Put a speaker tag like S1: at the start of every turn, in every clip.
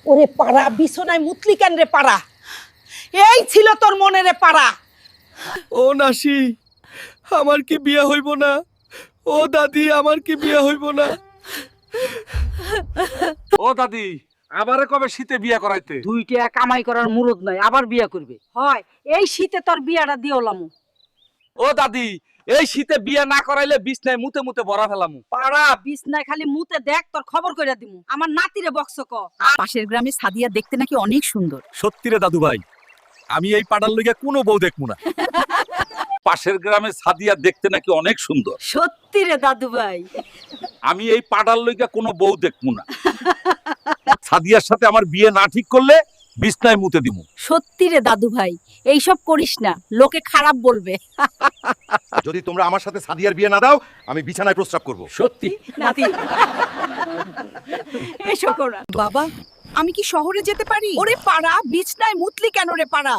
S1: ওরে পাড়া, বিছনায় মুতলি কেন রে পাড়া? এই ছিল তোর মনে রে পাড়া।
S2: ও নাসি, আমার কি বিয়া হইব না? ও দাদি, আমার কি বিয়া হইব না?
S3: ও দাদি, আমারে কবে শীতে বিয়া করাইতে?
S4: দুইটা কামাই করার মুরদ নাই, আবার বিয়া করবে।
S1: হয়, এই শীতে তোর বিয়াটা দিওলাম।
S3: ও দাদি, এই শীতে বিয়া না করাইলে বিছনায় মুতে মুতে ভরা ফেলামু।
S1: পাড়া বিছনায় খালি মুতে দেখ, তোর খবর কইরা দিমু। আমার নাতিরে বক্স ক।
S4: পাশের গ্রামে সাদিয়া দেখতে নাকি অনেক সুন্দর।
S2: সত্যি রে দাদু ভাই, আমি এই পাড়ার লইগা কোনো বউ দেখবো না।
S3: পাশের গ্রামে সাদিয়া দেখতে নাকি অনেক সুন্দর।
S1: সত্যি রে দাদু ভাই।
S3: আমি এই পাড়ার লইগা কোনো বউ দেখবো না। সাদিয়ার সাথে আমার বিয়ে না ঠিক করলে বিছনায় মুতে দিমু।
S4: সত্যি রে দাদু ভাই, এইসব করিস না, লোকে খারাপ বলবে।
S5: যদি তোমরা আমার সাথে সাদিয়ার বিয়ে না দাও, আমি বিছানায় প্রস্রাব করব।
S3: সত্যি
S4: নাতি এসো কোরা। বাবা, আমি কি শহরে যেতে পারি? ওরে পাড়া, বিছনায় মুতলি কেন রে পাড়া?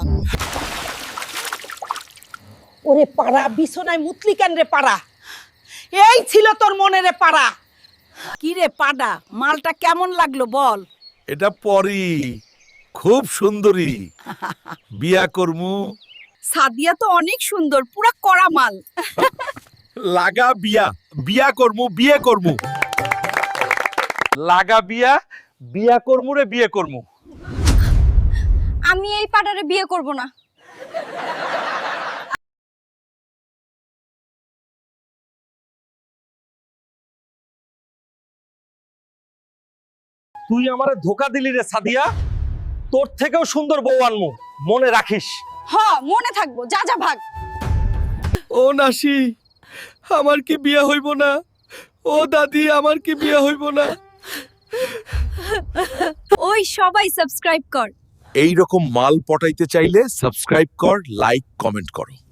S1: ওরে পাড়া, বিছনায় মুতলি কেন রে পাড়া? এই ছিল তোর মনে রে পাড়া।
S4: কি রে পাড়া, মালটা কেমন লাগলো বল?
S2: এটা পরি, খুব সুন্দরী। বিয়া করমু।
S4: সাদিয়া তো অনেক সুন্দর, পুরা কড়া মাল।
S2: লাগা বিয়া, বিয়া করমু, বিয়ে করমু।
S3: লাগা বিয়া, বিয়া করমু রে বিয়ে করমু।
S6: আমি এই পাটারে বিয়ে করব না।
S3: তুই আমারে ধোকা দিলি রে সাদিয়া। তোর থেকেও সুন্দর বউ আনমু, মনে রাখিস।
S6: হ, মনে থাকবো। যা যা ভাগ।
S2: ও নাসি, আমার কি বিয়া হইব না? ও দাদি, আমার কি বিয়া হইব না?
S6: ওই সবাই সাবস্ক্রাইব কর।
S2: এই রকম মাল পটাইতে চাইলে সাবস্ক্রাইব কর, লাইক, কমেন্ট করো।